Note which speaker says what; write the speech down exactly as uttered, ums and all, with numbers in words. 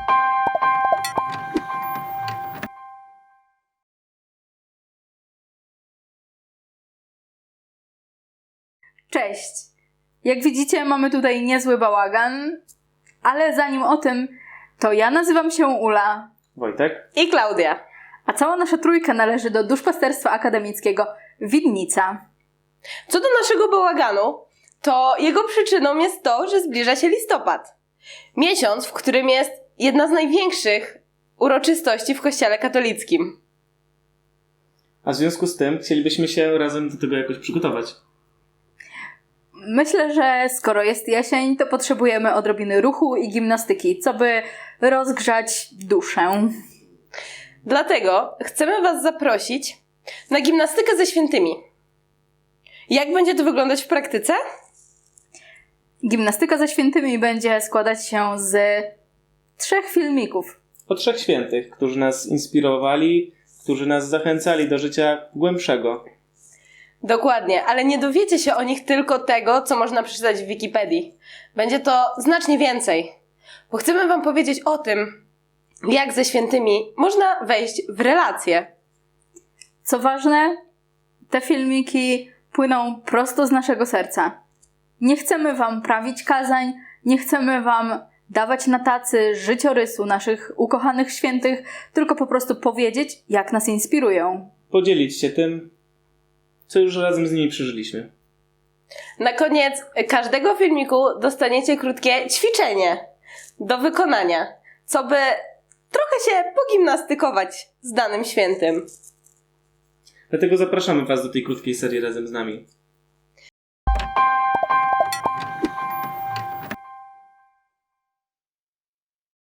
Speaker 1: Cześć! Jak widzicie, mamy tutaj niezły bałagan, ale zanim o tym, to ja nazywam się Ula.
Speaker 2: Wojtek.
Speaker 3: I Klaudia.
Speaker 1: A cała nasza trójka należy do Duszpasterstwa Akademickiego Widnica.
Speaker 3: Co do naszego bałaganu, to jego przyczyną jest to, że zbliża się listopad. Miesiąc, w którym jest jedna z największych uroczystości w Kościele katolickim.
Speaker 2: A w związku z tym chcielibyśmy się razem do tego jakoś przygotować.
Speaker 1: Myślę, że skoro jest jesień, to potrzebujemy odrobiny ruchu i gimnastyki, co by rozgrzać duszę.
Speaker 3: Dlatego chcemy Was zaprosić na gimnastykę ze świętymi. Jak będzie to wyglądać w praktyce?
Speaker 1: Gimnastyka ze świętymi będzie składać się z trzech filmików.
Speaker 2: O trzech świętych, którzy nas inspirowali, którzy nas zachęcali do życia głębszego.
Speaker 3: Dokładnie, ale nie dowiecie się o nich tylko tego, co można przeczytać w Wikipedii. Będzie to znacznie więcej, bo chcemy Wam powiedzieć o tym, jak ze świętymi można wejść w relacje.
Speaker 1: Co ważne, te filmiki płyną prosto z naszego serca. Nie chcemy Wam prawić kazań, nie chcemy Wam dawać na tacy życiorysu naszych ukochanych świętych, tylko po prostu powiedzieć, jak nas inspirują.
Speaker 2: Podzielić się tym, co już razem z nimi przeżyliśmy.
Speaker 3: Na koniec każdego filmiku dostaniecie krótkie ćwiczenie do wykonania, co by trochę się pogimnastykować z danym świętym.
Speaker 2: Dlatego zapraszamy Was do tej krótkiej serii razem z nami.